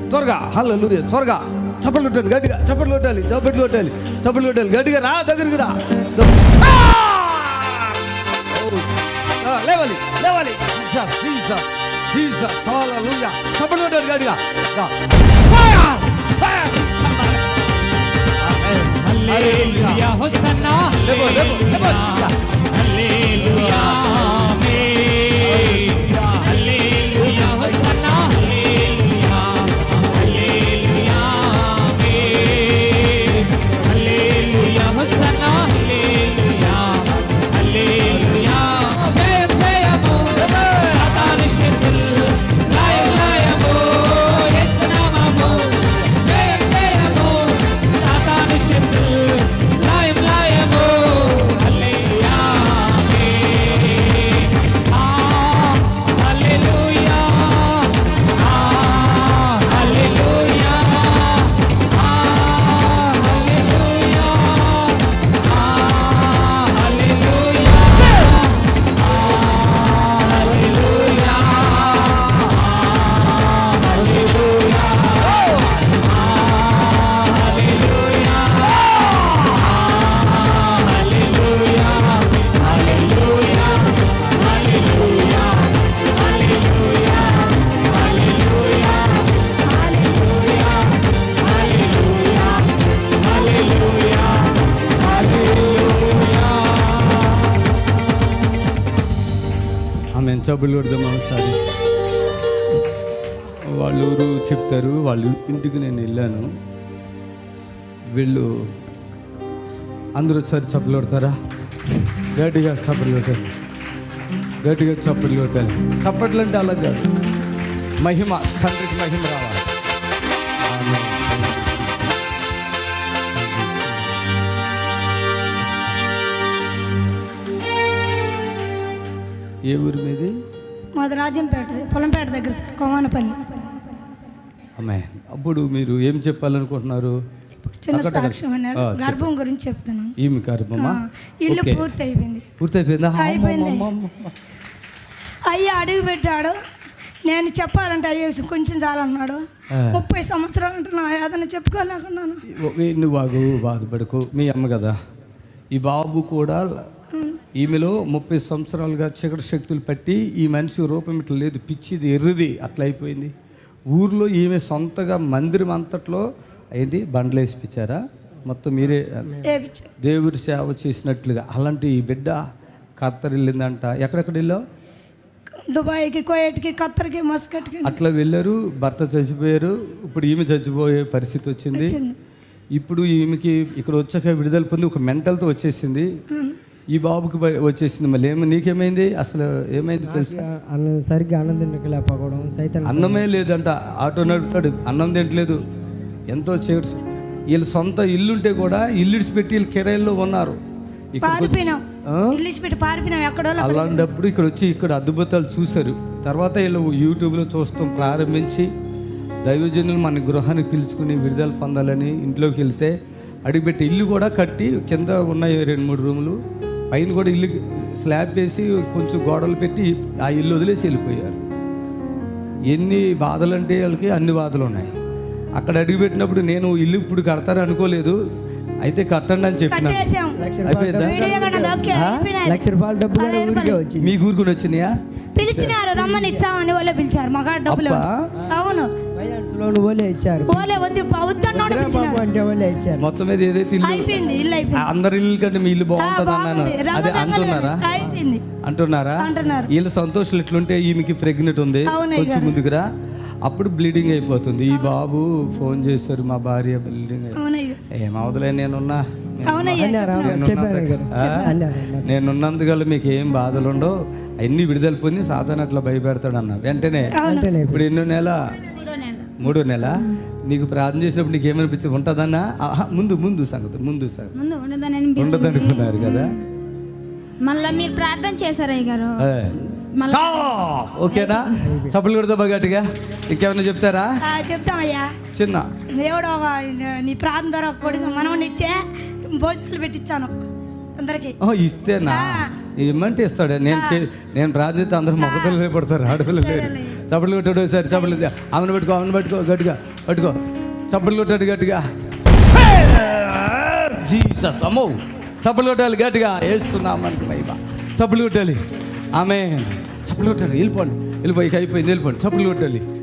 త్వరగా. హల్లెలూయా. త్వరగా చప్పట్లు కొట్టాలి, గట్టిగా చప్పట్లు కొట్టాలి, చప్పట్లు కొట్టాలి, చప్పట్లు కొట్టాలి, గట్టిగా రా, దగ్గరికి రా. లేవాలి, లేవాలి. జీసస్, జీసస్, హల్లెలూయా. చప్పట్లు కొట్టాలి, గట్టిగా. హల్లెలూయా హోసన్నా హల్లెలూయా హల్లెలూయా ఆమేన్ హల్లెలూయా హోసన్నా హల్లెలూయా హల్లెలూయా ఆమేన్ హల్లెలూయా హోసన్నా హల్లెలూయా హల్లెలూయా జయ జయము సాతాను శక్తులు లయ లయము యేసు నామము జయ జయము సాతాను శక్తులు లయం లయము హల్లెలూయా హల్లెలూయా హల్లెలూయా ఆమె చప్పులు కొడదాం ఒకసారి. వాళ్ళ ఊరు చెప్తారు, వాళ్ళ ఇంటికి నేను వెళ్ళాను. వీళ్ళు అందరూ ఒకసారి చప్పులు కొడతారా? గట్టిగా చప్పులు కొట్టాలి, గట్టిగా చప్పులు కొట్టాలి. చప్పట్లు అంటే అలా కాదు, మహిమ, తండ్రికి మహిమ రావాలి. ఆమేన్. ఏ ఊరి మీది? మాది రాజంపేట, పొలంపేట దగ్గర సార్, కోమానపల్లి. అమ్మాయి, అప్పుడు మీరు ఏం చెప్పాలనుకుంటున్నారు? చిన్న సాక్ష్యం అన్నారు, గర్భం గురించి చెప్తున్నాను. ఈమె గర్భమా? ఇల్లు పూర్తి అయిపోయింది. పూర్తయిపోయిందా? అయిపోయింది. అయ్యి అడుగు పెట్టాడు. నేను చెప్పాలంటే అయ్యే కొంచెం చాలన్నాడు. 30 సంవత్సరాలు అంటే నా ఏదైనా చెప్పుకోలేకున్నాను. నువ్వు బాగు బాధపడకు, మీ అమ్మ కదా. ఈ బాబు కూడా ఈమెలో 30 సంవత్సరాలుగా చీకటి శక్తులు పట్టి ఈ మనిషి రూపం ఇట్లా లేదు, పిచ్చిది, ఎర్రది, అట్లా అయిపోయింది. ఊర్లో ఈమె సొంతగా మందిరం అంతట్లో ఏంటి బండ్లు వేసిపించారా? మొత్తం మీరే దేవుడి సేవ చేసినట్లుగా. అలాంటి ఈ బిడ్డ ఖత్తర్ వెళ్ళిందంట. ఎక్కడెక్కడ వెళ్ళావు? దుబాయ్కి, కువైట్కి, ఖత్తర్కి, మస్కట్కి అట్లా వెళ్ళారు. భర్త చచ్చిపోయారు. ఇప్పుడు ఈమె చచ్చిపోయే పరిస్థితి వచ్చింది. ఇప్పుడు ఈమెకి ఇక్కడ వచ్చాక విడుదల పొంది ఒక మెంటల్తో వచ్చేసింది. ఈ బాబుకి వచ్చేసింది. మళ్ళీ నీకేమైంది? అసలు ఏమైంది తెలుసు? సరిగ్గా అన్నం తినలేకపోవడం, సైతం అన్నమే లేదంట. ఆటో నడుపుతాడు, అన్నం తింటలేదు. ఎంతో చీకటి. వీళ్ళ సొంత ఇల్లుంటే కూడా ఇల్లు ఇడిచిపెట్టి వీళ్ళు కిరాయిల్లో ఉన్నారు. అలాంటప్పుడు ఇక్కడ వచ్చి ఇక్కడ అద్భుతాలు చూశారు. తర్వాత వీళ్ళు యూట్యూబ్లో చూస్తాం ప్రారంభించి దైవజనులు మన గృహానికి పిలుచుకుని విడుదల పొందాలని ఇంట్లోకి వెళ్తే అడిగిపెట్టి ఇల్లు కూడా కట్టి కింద ఉన్నాయి 2-3 రూములు, పైన కూడా ఇల్లు స్లాబ్ వేసి కొంచెం గోడలు పెట్టి ఆ ఇల్లు వదిలేసి వెళ్ళిపోయారు. ఎన్ని బాధలు అంటే వాళ్ళకి అన్ని బాధలు ఉన్నాయి. అక్కడ అడిగిపెట్టినప్పుడు నేను ఇల్లు ఇప్పుడు కడతారు అనుకోలేదు, అయితే కట్టండి అని చెప్పిన. అయిపోయిందా? ₹1,00,000 డబ్బు వచ్చింది. మీ ఊరుకుని వచ్చినాయా? పిలిచినారు, రమ్మని ఇచ్చామని వాళ్ళే పిలిచారు. మగా డబ్బులు అవును ఇచ్చారు. మొత్తం మీద ఏదైతే అందరి ఇల్లు కంటే మీ ఇల్లు బాగుంటుంది అన్నాను. అదే అంటున్నారా? వీళ్ళ సంతోషాలు ఎట్లుంటే ఈమెకి ప్రెగ్నెంట్ ఉంది, కొంచెం ముందుకురా, అప్పుడు బ్లీడింగ్ అయిపోతుంది. ఈ బాబు ఫోన్ చేశారు, మా భార్య బ్లీడింగ్ ఏమవుతులే, నేనున్నందుకల్లా మీకు ఏం బాధలు ఉండవు, అన్ని విడుదల పొంది సాధారణ అట్లా భయపెడతాడు అన్న. వెంటనే ఇప్పుడు ఎన్నో నెల? 3వ నెల. నీకు ప్రార్థన చేసినప్పుడు నీకు ఏమనిపించింది? ఉంటుందన్నా? ముందు సంగతి ఉండదనుకున్నారు కదా. మళ్ళీ మీరు ప్రార్థన చేశారు అయ్య గారు. ఓకేనా? చప్పులు కొడతా గట్టిగా. ఇంకేమైనా చెప్తారా? చెప్తామయ్యా. చిన్న దేవుడు నీ ప్రార్థన ద్వారా కొడుకు మనవని ఇచ్చే భోజనాలు పెట్టించాను అందరికి. ఇస్తేనా? ఇమ్మంటే ఇస్తాడు. నేను ప్రార్థిస్తే అందరూ మగపిల్లలే పడతారు, ఆడపిల్లలు లేరు. చప్పట్లు కొట్టాడు. సరే చప్పట్లు. ఆమెను పెట్టుకో గట్టిగా. పట్టుకో, చప్పట్లు కొట్టాడు గట్టిగా. జీసస్, అమ్మో, చప్పట్లు కొట్టాలి గట్టిగా. వేస్తున్నామని మహిమ. చప్పట్లు కొట్టాలి. ఆమె చప్పట్లు కొట్టాలి. వెళ్ళిపోండి, వెళ్ళిపోయి అయిపోయింది, వెళ్ళిపోండి. చప్పట్లు కొట్టాలి.